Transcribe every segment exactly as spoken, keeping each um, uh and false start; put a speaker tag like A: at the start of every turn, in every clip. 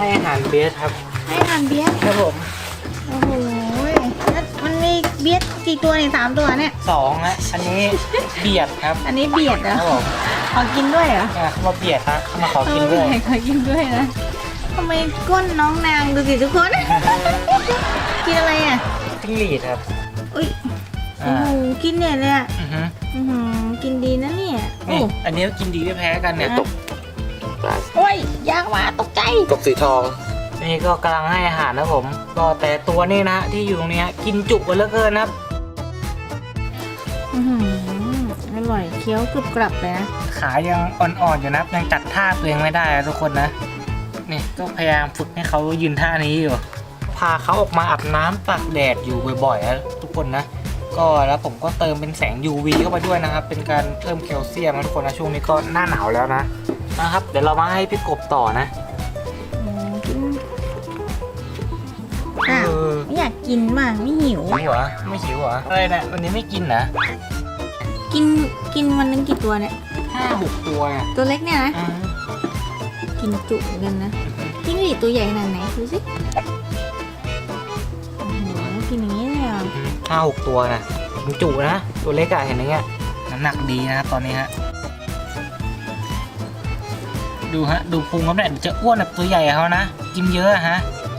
A: ให้อาหารเบสครับ
B: ให้อาหารเบียด
A: ครับผม
B: โอ้โหมันมีเบียดกี่ตัวเนี่ยสามตัวเนี่ย
A: สองนะอันนี้เบียดครับ
B: อันนี้เบียดเหรอ
A: ครับผม
B: ขอกินด้วยเหรอ
A: เขามาเบียดครับมาขอกินด้วย
B: ขอกินด้วยนะทำไมก้นน้องนางดูสิทุกคนกินอะไรอ่ะ
A: จิ้งหรีดครับ
B: อุ้ยโอ้โหกินเนี่ยเลยอ่ะ
A: อือฮึ
B: อือหือกินดีนะเนี่ย
A: โอ้อันนี้กินดีไม่แพ้กันเนี่ยตก
B: โอ้ยยากว่าตกใจ
C: กบสีทอง
A: นี่ก็กำลังให้อาหารนะผมก็แต่ตัวนี้นะที่อยู่ตรงนี้กินจุกันเหลือเกินนะครับ
B: อือหืออร่อยเคี้ยวกรุบกรับเลยนะ
A: ขายังอ่อนๆอยู่นะยังจัดท่าตัวเองไม่ได้ทุกคนนะนี่ก็พยายามฝึกให้เขายืนท่านี้อยู่พาเขาออกมาอาบน้ำตากแดดอยู่บ่อยๆนะทุกคนนะก็แล้วผมก็เติมเป็นแสง ยู วี เข้าไปด้วยนะครับเป็นการเพิ่มแคลเซียมนะทุกคนนะช่วงนี้ก็หน้าหนาวแล้วนะนะครับเดี๋ยวเรามาให้พี่กบต่อนะ
B: อ้าวไม่อยากกินมากไม่หิว
A: หิวเหรอไม่หิวเหรออะไรนะวันนี้ไม่กินนะ
B: กินกินวันนึงกี่ตัวเนี่ย
A: ห้าหกตัวเนี่ย
B: ตัวเล็กเนี่ยนะกินจุกันนะจิ้งหรีดตัวใหญ่ขนาดไหนดูสิโอ้โหกินอย่างนี้เลยอ่ะ
A: ห้าหกตัวนะกินจุนะตัวเล็กอะเห็นอย่างเงี้ยน้ำหนักดีนะครับตอนนี้ฮะดูฮะดูพุงเขาเนี่ยจะอ้วนแบบตัวใหญ่เขานะกินเยอะฮะ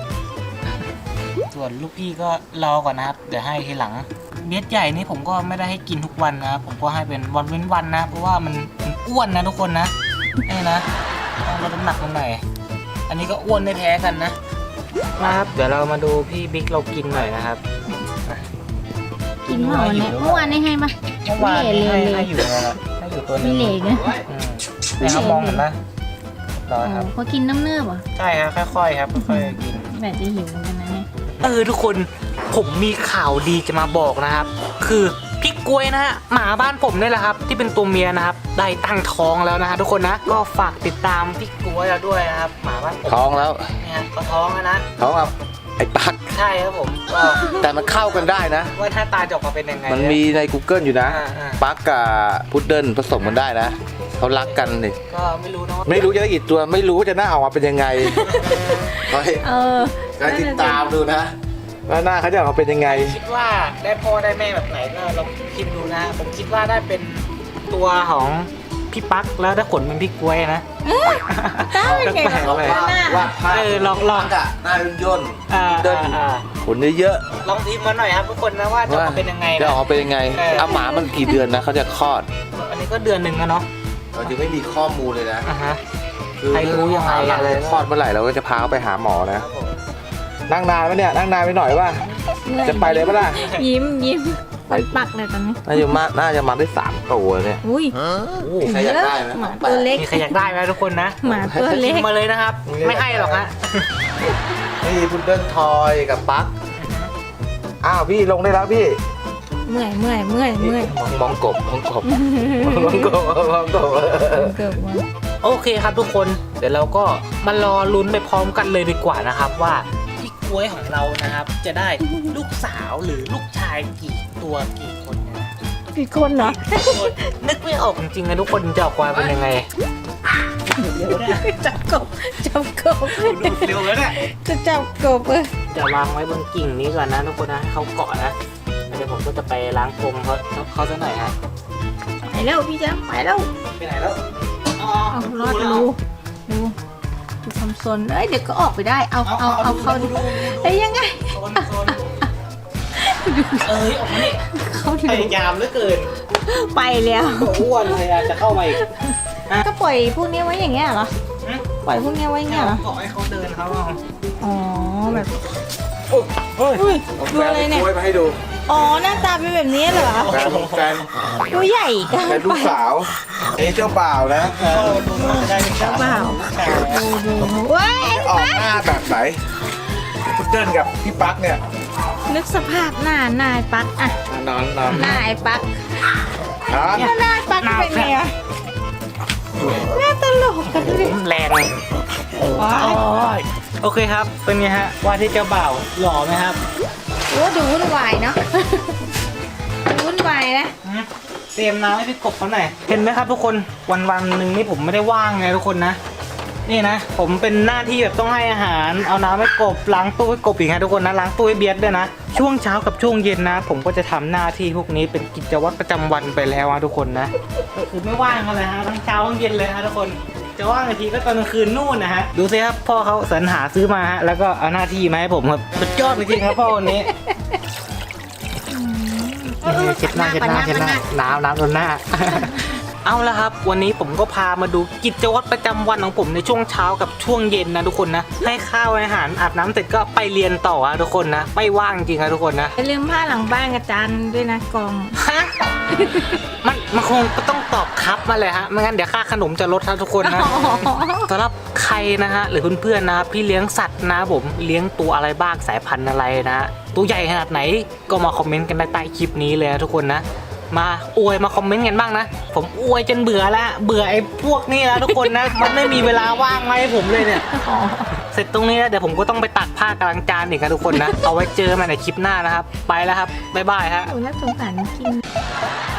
A: ส่วนลูกพี่ก็รอก่อนนะครับเดี๋ยวให้ทีหลังเม็ดใหญ่นี่ผมก็ไม่ได้ให้กินทุกวันนะครับผมก็ให้เป็นวันเว้นวันนะเพราะว่ามันอ้วนนะทุกคนนะนี่นะต้องลดน้ำหนักลงหน่อยอันนี้ก็อ้วนไม่แพ้กันนะนะครับเดี๋ยวเรามาดูพี่บิ๊กเรากินหน่อยนะครับ
B: กินเมื่อวานนี้เมื่อวานนี้ให้มา
A: เมื่อวานนี้ให้ให้อยู่นะให้อยู่ตัวนึง
B: มีเหล็กนะ
A: แต่เขามองเห็นปะรอครับ
B: เขากินน้ำเนื้อป่ะ
A: ใช่ครับค่อยๆครับค่อยๆกิน
B: แบบจะหิวเหมือนกันนะเนี่ย
A: เออทุกคนผมมีข่าวดีจะมาบอกนะครับคือพี่กล้วยนะฮะหมาบ้านผมนี่แหละครับที่เป็นตัวเมียนะครับได้ตั้งท้องแล้วนะฮะทุกคนนะก็ฝากติดตามพี่กล้วยเราด้วยนะครับหมาบ้านผม
C: ท้องแล้ว
A: เนี่ยก็ท้องแล้วนะ
C: ท้องกับไอ้ปัก
A: ใช่ครับผมก็
C: แต่มันเข้ากันได้นะ
A: ว่าถ้าตาจะออกมาเป็นยังไง
C: มันมีใน Google อยู่นะปักกับพุดเดิ้ลผสมกันได้นะเขารักกันนี่
A: ก็ไม่รู้นะ
C: ไม่รู้จะได้กี่ตัวไม่รู้ว่าจะหน้าออกมาเป็นยังไงคอยคอยติดตามดูนะว่าหน้าเขาจะออกมาเป็นยังไง
A: คิดว่าได้พ่อได้แม่แบบไหนก็ลองพิมพ์ดูนะผมคิดว่าได้เป็นตัวของพี่ปักแล้วได้ขนเป็นพี่กล้วยนะ
B: ได้ไง
C: ลองว่าว่า
A: เออลองลอง
C: อะหน้าย่น
A: เดิน
C: ขนเยอะ
A: ลองพิมพ์มาหน่อยครับทุกคนนะว่าจะออกเป็นยังไง
C: จะออกเป็นยังไงเอาหมามันกี่เดือนนะเขาจะคลอด
A: อันนี้ก็เดือนหนึ่งนะเนาะ
C: เราจะไม่มีข้อมูลเลยนะ
A: คือใครรู้ยังไง
C: อะไรคลอดเมื่อไหร่เราก็จะพาเขาไปหาหมอนะนั่งนานไหมเนี่ยนั่งนานไปหน่อยป่ะจะไปเลยป่ะล่ะ
B: ยิ้มยิ้มไปปักเลยตอนนี้
C: น่าจะมาน่าจะมาได้สามตัวเนี่ย
B: อุ้ย
C: ใครอยากได้ไหม
B: หมาตัวเล็ก
A: มีใครอยากได้ไหมทุกคนนะ
B: หมาตัวเล็ก
A: มาเลยนะครับไม่ให้หรอกฮะ
C: นี่พุดเดิ้ลทอยกับปักอ้าวพี่ลงได้แล้วพี่
B: เมื่อยเมื่อยเมื่อยเมื่อย
C: มองกบมองกบมองกบมองกบ
A: โอเคครับทุกคนเดี๋ยวเราก็มารอลุ้นไปพร้อมกันเลยดีกว่านะครับว่าพี่กล้วยของเรานะครับจะได้ลูกสาวหรือลูกชายกี่ตัวกี่คนนะ
B: กี่คนเหรอ
A: นึกไม่ออกจริงๆนะทุกคนจะออกมาเป็นยังไง
B: จับกบจับกบ
A: ดูเร็วแล้วเนี่ย
B: จะจับกบเออ
A: จะวางไว้บนกิ่งนี้ก่อนนะทุกคนนะเขาเกาะนะเดี๋ยวผมก็จะไปล้างกรงเขาเขาซะหน่อยฮะ
B: ไปแล้วพี่จ๊ะไปแล้ว
A: ไปไหนแล้ว
B: อ๋อรอดดูดูดูความซนเอ้ยเดี๋ยวก็ออกไปได้เอาเอาเอาเข้าดูเอ้ยยังไง
A: เอ้ยออกมาเนี่ย
B: เขา
A: พยายามเหลือเกิน
B: ไปแล้ว
A: อ้วนเลยจะเข้ามาอีก
B: ก็ปล่อยพวกนี้ไว้อย่างเงี้ยเหรอปล่อยพวกนี้ไว้เงี้ยเหรอ
A: ขอให้เขาเดินเขา
B: อ๋อแบบดูอะไรเนี่ย
C: มาให้ดู
B: อ๋อหน้าตาเป็นแบบนี้เหรอ
C: แฟนแฟน
B: ตัวใหญ่กัน
C: เป็นลูกสาวเอ๊ะเจ้าบ่าวนะ
B: เจ้าบ่าวดูดูว้าย
C: ออกหน้าแบบไหนพุดเดิ้ลกับพี่ปักเนี่ย
B: นึกสภาพหน้านายปักอะ
C: นอนนอน
B: นายปักหน้าปักเป็นไงอะหน้าตลกกันดิ
A: แรงโอเคครับเป็นไงฮะว่าที่เจ้าบ่าวหล่อไหมครับ
B: โอ้ดูวุ่นวายเนาะดูวุ่นวายนะ
A: เตรียมน้ำให้พี่กบเขาหน่อยเห็นไหมครับทุกคนวันวันหนึ่งนี่ผมไม่ได้ว่างไงทุกคนนะนี่นะผมเป็นหน้าที่แบบต้องให้อาหารเอาน้ำให้กบล้างตู้ให้กบอีกนะทุกคนนะล้างตู้ให้เบียดด้วยนะช่วงเช้ากับช่วงเย็นนะ ผมก็จะทำหน้าที่พวกนี้เป็นกิจวัตรประจำวันไปแล้วนะทุกคนนะก็คือไม่ว่างกันเลยฮะทั้งเช้าทั้งเย็นเลยฮะทุกคนจะว่างอีกทีก็ตอนกลางคืนนู่นนะฮะดูสิครับพ่อเขาสรรหาซื้อมาฮะแล้วก็เอาหน้าที่มาให้ผมครับสุดยอดจริงๆครับพ่อคนนี้เช็ดหน้าเช็ดหน้าเช็ดหน้าน้ำน้ำโดนหน้า เอาละครับวันนี้ผมก็พามาดูกิจวัตรประจำวันของผมในช่วงเช้ากับช่วงเย็นนะทุกคนนะให้ข้าวอาหารอาบน้ำเสร็จก็ไปเรียนต่อนะทุกคนนะไม่ว่างจริงนะทุกคนนะ
B: อย่าลืมผ้าหลังบ้านกับจานด้วยนะกอง
A: ฮะมันมันคงก็ต้องตอบครับมาเลยฮะไม่งั้นเดี๋ยวค่าขนมจะลดครับทุกคนนะสำหรับใครนะฮะหรือเพื่อนๆนะพี่เลี้ยงสัตว์นะผมเลี้ยงตัวอะไรบ้างสายพันธุ์อะไรนะตัวใหญ่ขนาดไหนก็มาคอมเมนต์กันได้ใต้คลิปนี้เลยนะทุกคนนะมาอวยมาคอมเมนต์กันบ้างนะผมอวยจนเบื่อแล้วเบื่อไอ้พวกนี้แล้วทุกคนนะ มันไม่มีเวลาว่างมาให้ผมเลยเนี่ยเสร็จตรงนี้แล้วเดี๋ยวผมก็ต้องไปตักผ้ากำลังจานอีกนะทุกคนนะเอาไว้เจอกันในคลิปหน้านะครับไปแล้วครับบ๊ายบายฮะ
B: โอ้น่าสงสารจริง